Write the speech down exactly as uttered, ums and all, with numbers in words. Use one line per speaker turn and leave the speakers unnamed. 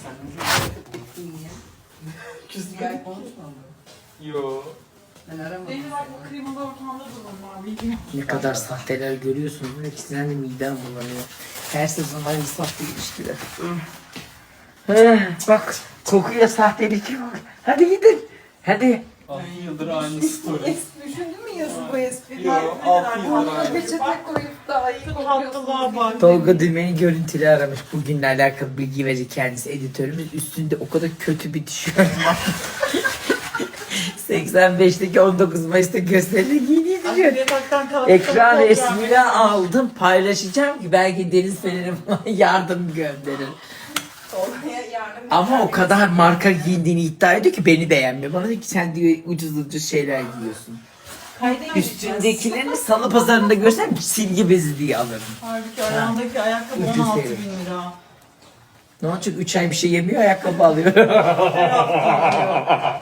Sen ne diyorsun ya?
Küstün.
Bir ay konuşmadım.
Yo.
Ben aramadım.
Benim bak bu klimalı ortamda durmam bilmiyorum.
Ne kadar sahteler görüyorsunuz. İkisinden de midem bulanıyor. Her sezon aynı sahte ilişkiler. Heh, bak kokuya sahtelik yok. Hadi gidin. Hadi.
altı yıldır aynı story.
Düşündün mü yazı bu espriyi?
Yo, altı yıldır
Altına
aynı.
peçete koyup daha iyi
Tatlılığa bak.
Tolga Dümen'i görüntülü aramış. Bugünle alakalı bilgi verecek kendisi editörümüz. Üstünde o kadar kötü bir tişört var. seksen beşteki on dokuz Mayıs'ta gösteride giydiği tişört.
Yataktan kalkıp
Ekran
fotoğraf
resmini
veriyorum.
aldım, paylaşacağım ki belki Deniz Fener'e falan yardım gönderir.
Olmaya yardım
Ama o kadar marka giyindiğini iddia ediyor ki beni beğenmiyor. Bana diyor ki sen diyor ucuz ucuz şeyler giyiyorsun.
Kayda gideceğiz.
Üstündekilerini salı pazarında görsem silgi bezi diye alırım.
Halbuki ayağındaki ayakkabı
Ucuz
on altı
herif.
bin lira.
Ne olacak? üç ay bir şey yemiyor, ayakkabı alıyor.